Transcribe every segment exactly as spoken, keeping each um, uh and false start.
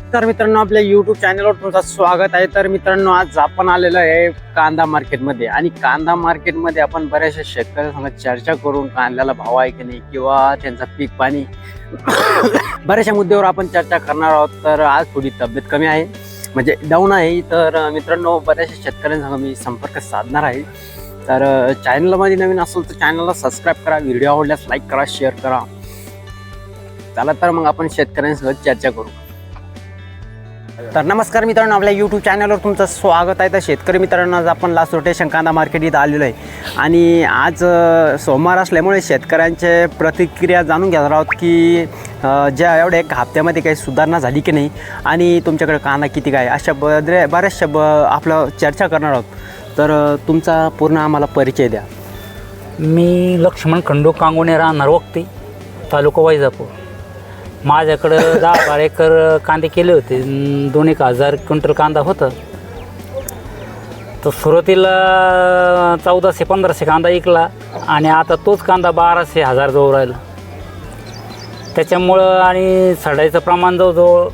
तर मित्रांनो आपल्या युट्यूब चॅनलवर तुमचं स्वागत आहे. तर मित्रांनो आज आपण आलेलो आहे कांदा मार्केटमध्ये आणि कांदा मार्केटमध्ये आपण बऱ्याचशा शेतकऱ्यांसंग चर्चा करून कांद्याला भाव आहे की नाही किंवा त्यांचा पीक पाणी बऱ्याचशा मुद्द्यावर आपण चर्चा करणार आहोत. तर आज थोडी तब्येत कमी आहे म्हणजे डाऊन आहे. तर मित्रांनो बऱ्याचशा शेतकऱ्यांसंग मी संपर्क साधणार आहे. तर चॅनलमध्ये नवीन असेल तर चॅनलला सबस्क्राईब करा, व्हिडिओ आवडल्यास लाईक करा, शेअर करा. चला तर मग आपण शेतकऱ्यांसोबत चर्चा करू. तर नमस्कार मित्रांनो, आपल्या यूट्यूब चॅनलवर तुमचं स्वागत आहे. तर शेतकरी मित्रांनो आज आपण लास्ट रोटेशन कांदा मार्केट इथं आलेलो आहे आणि आज सोमवार असल्यामुळे शेतकऱ्यांचे प्रतिक्रिया जाणून घेणार आहोत की ज्या एवढ्या एक हप्त्यामध्ये काही सुधारणा झाली की नाही आणि तुमच्याकडे कांदा किती काय अशा बरे बऱ्याचशा ब आपलं चर्चा करणार आहोत. तर तुमचा पूर्ण आम्हाला परिचय द्या. मी लक्ष्मण खंडू कांगोणे, राहणार वक्ती, तालुका वैजापूर. माझ्याकडं दहा बारा एकर कांदे केले होते. दोन एक हजार क्विंटल कांदा होता. तर सुरुवातीला चौदाशे पंधराशे कांदा विकला आणि आता तोच कांदा बाराशे हजार जवळ राहिला. त्याच्यामुळं आणि सडायचं प्रमाण जवळजवळ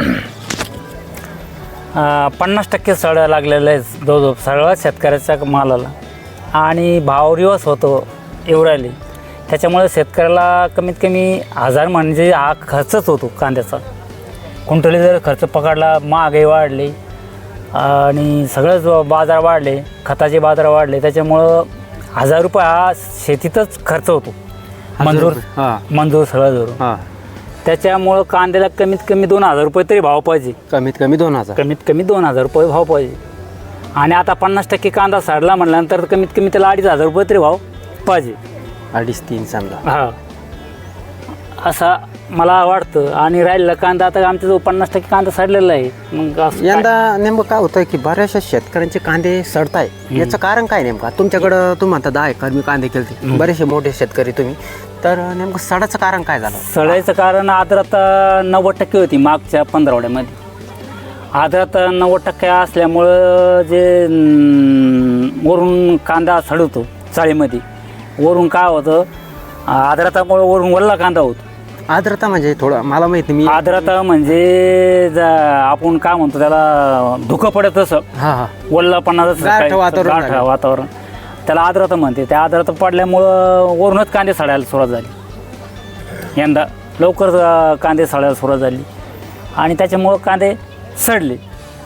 पन्नास टक्के सडा लागलेलं आहे जवळजवळ सगळ्या शेतकऱ्याच्या मालाला आणि भाव रिवर्स होतो एवढ्याले. त्याच्यामुळे शेतकऱ्याला कमीत कमी हजार म्हणजे हा खर्चच होतो कांद्याचा. कुंटली जर खर्च पकडला, महागाई वाढली आणि सगळंच बाजार वाढले, खताचे बाजार वाढले, त्याच्यामुळं हजार रुपये हा शेतीतच खर्च होतो. मंजूर मंजूर सगळं धरून. त्याच्यामुळं कांद्याला कमीत कमी दोन हजार रुपये तरी भाव पाहिजे. कमीत कमी दोन हजार कमीत कमी दोन हजार रुपये भाव पाहिजे. आणि आता पन्नास टक्के कांदा सडला म्हटल्यानंतर कमीत कमी त्याला अडीच हजार रुपये तरी भाव पाहिजे. अडीच तीन समजा. हा असा मला वाटतं. आणि राहिलेला कांदा आता आमच्या जवळ पन्नास टक्के कांदा सडलेला आहे. मग यंदा नेमकं काय होतं की बऱ्याचशा शेतकऱ्यांचे कांदे सडताय, याचं कारण काय नेमकं? तुमच्याकडं तुम्ही म्हणता दहा एकर मी कांदे केले, बरेचसे मोठे शेतकरी तुम्ही, तर नेमकं सडाचं कारण काय झालं? सडायचं कारण आर्द्रता नव्वद टक्के होती मागच्या पंधरवड्यामध्ये. आर्द्रता नव्वद टक्के असल्यामुळं जे वरून कांदा सडवतो चाळीमध्ये, वरून काय होतं आर्द्रतामुळे वरून वल्ला कांदा होतो. आर्द्रता म्हणजे थोडं मला माहिती मी आर्द्रता म्हणजे आपण काय म्हणतो त्याला धुकं पडत तसं. हा हा वल्लापणाचं वातावरण वातावरण त्याला आर्द्रता म्हणते. त्या आर्द्रता पडल्यामुळं वरूनच कांदे सडायला सुरुवात झाली. यंदा लवकर कांदे सडायला सुरुवात झाली आणि त्याच्यामुळं कांदे सडले.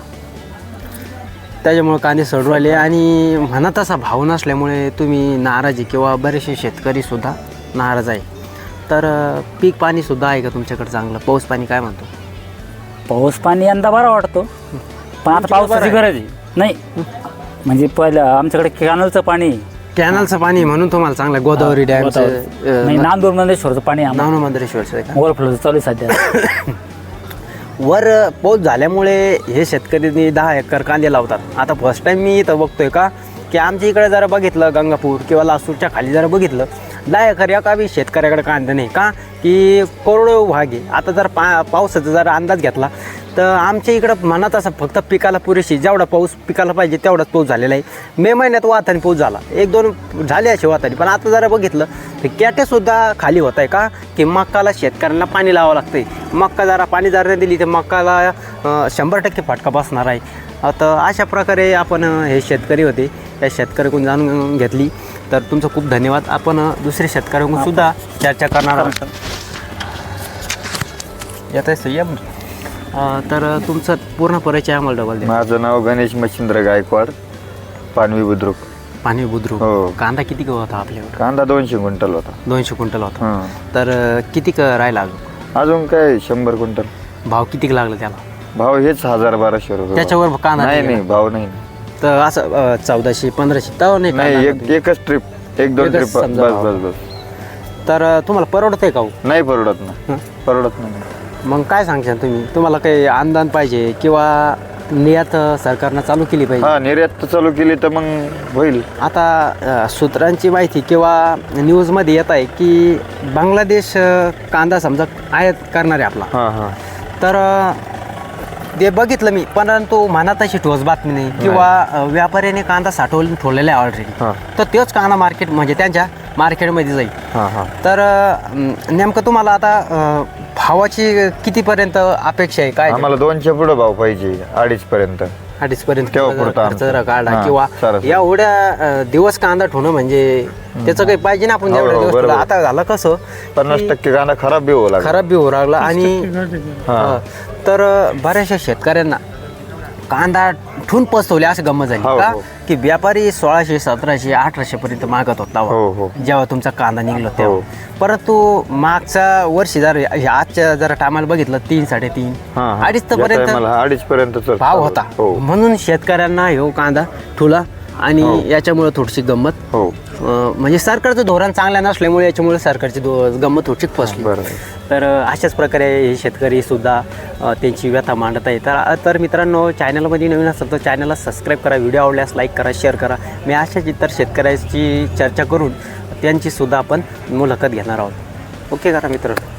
त्याच्यामुळे कांदे सडू आले आणि म्हणा तसा भाव नसल्यामुळे तुम्ही नाराजी किंवा बरेचसे शेतकरी सुद्धा नाराज आहे. तर पीक पाणी सुद्धा आहे का तुमच्याकडे चांगलं? पाऊस पाणी काय म्हणतो? पाऊस पाणी यंदा बरा वाटतो, पण आता पावसाची गरज आहे. नाही म्हणजे पहिलं आमच्याकडे कॅनलचं पाणी कॅनलचं पाणी म्हणून तुम्हाला चांगलं गोदावरी डॅमचं नांदूर मंदेश्वरचं पाणी नांदूर ओव्हरफ्लो चालू आहे सध्या. वर पाऊस झाल्यामुळे हे शेतकरी दहा एकर कांदे लावतात. आता फर्स्ट टाइम मी इथं बघतोय का की आमच्या इकडे जरा बघितलं गंगापूर किंवा लासूरच्या खाली जरा बघितलं दहा एकर या का बी शेतकऱ्याकडे कांदे नाही का की करोडो भाग आहे. आता जर पा पावसाचा जरा अंदाज घेतला तर आमच्या इकडं म्हणत असं फक्त पिकाला पुरेशी जेवढा पाऊस पिकाला पाहिजे तेवढाच पाऊस झालेला आहे. मे महिन्यात वातानी पाऊस झाला, एक दोन झाले असे वातानी, पण आता जरा बघितलं तर कॅटेसुद्धा खाली होत आहे का की मक्काला शेतकऱ्यांना पाणी लावावं लागतं आहे. मक्का जरा पाणी जर नाही दिली तर मक्काला शंभर टक्के फटका बसणार आहे. आता अशा प्रकारे आपण हे शेतकरी होते, त्या शेतकऱ्याकडून जाणून घेतली. तर तुमचं खूप धन्यवाद. आपण दुसऱ्या शेतकऱ्यांकडून सुद्धा चर्चा करणार आहोत. येत आहे संयम. तर तुमचं पूर्ण परिचय आम्हाला डबल द्या. माझं नाव गणेश मच्छिंद्र गायकवाड, पानवी बुद्रुक. पानवी बुद्रुक. हो. कांदा किती होता आपल्याकडे? कांदा दोनशे क्विंटल होता. दोनशे क्विंटल होता. हां. तर किती राहिला अजून? अजून काय शंभर क्विंटल. भाव किती लागला त्याला? भाव हेच हजार बाराशे रुपये. त्याच्यावर कांदा नाही नाही भाव नाही. तर असं चौदाशे पंधराशे तर नाही नाही, एक एकच ट्रिप, एक दोन ट्रिप बस बस बस. तर तुम्हाला परवडत आहे का? नाही परवडत ना, परवडत नाही. मग काय सांगशाल तुम्ही? तुम्हाला काही अनुदान पाहिजे किंवा निर्यात सरकारनं चालू केली पाहिजे? हा, निर्यात चालू केली तर मग होईल. आता सूत्रांची माहिती किंवा न्यूजमध्ये येत आहे की बांगलादेश कांदा समजा आयात करणार आहे आपला. हां हां. तर ते बघितलं मी, परंतु मनात अशी ठोस बातमी नाही किंवा व्यापाऱ्याने कांदा साठवून ठेवलेला आहे ऑलरेडी. तर तोच कांदा मार्केट म्हणजे त्यांच्या मार्केटमध्ये जाईल. हां हां. तर नेमकं तुम्हाला आता भावाची कितीपर्यंत अपेक्षा आहे काय आम्हाला दोनशे पुढे भाव पाहिजे अडीच पर्यंत. अडीच पर्यंत तेव्हा पुरतं खर्च आमचं. जरा काढला हां, किंवा सरासरी. एवढ्या अं, दिवस कांदा ठेवणं म्हणजे त्याचं काही पाहिजे ना आपण हो, एवढ्या हो, दिवस बरोबर. ठेवलं. आता झालं कसं पन्नास की टक्के कांदा खराब बी होऊ लागला. खराब बी होऊ लागला आणि हां. अं, तर अं, बऱ्याचशा शेतकऱ्यांना कांदा ठून पसवले असं गंमत झाली हो, का हो. की व्यापारी सोळाशे सतराशे अठराशे पर्यंत मागत होता हो, हो. जेव्हा तुमचा कांदा निघलो हो. तेव्हा परंतु मागच्या वर्षी जर ह्या आजच्या जर टायमाला बघितलं तीन साडेतीन हां, हां. अडीच या पर्यंत टायमाला अडीच पर्यंत भाव होता हो म्हणून शेतकऱ्यांना ह्यो कांदा ठुला आणि हो. याच्यामुळे थोडीशी गंमत हो अं, म्हणजे सरकारचं धोरण चांगलं नसल्यामुळे याच्यामुळे सरकारची दो- गंमत थोडीशी फसली. बरोबर. तर अं, अशाच प्रकारे हे शेतकरी सुद्धा अं, त्यांची व्यथा मांडत आहेत. तर तर मित्रांनो, चॅनलमध्ये नवीन असेल तर चॅनलला सबस्क्राईब करा, व्हिडिओ आवडल्यास लाईक करा, शेअर करा. मी अशाच इतर शेतकऱ्याची चर्चा करून त्यांची सुद्धा आपण मुलाखत घेणार आहोत. ओके करा मित्र.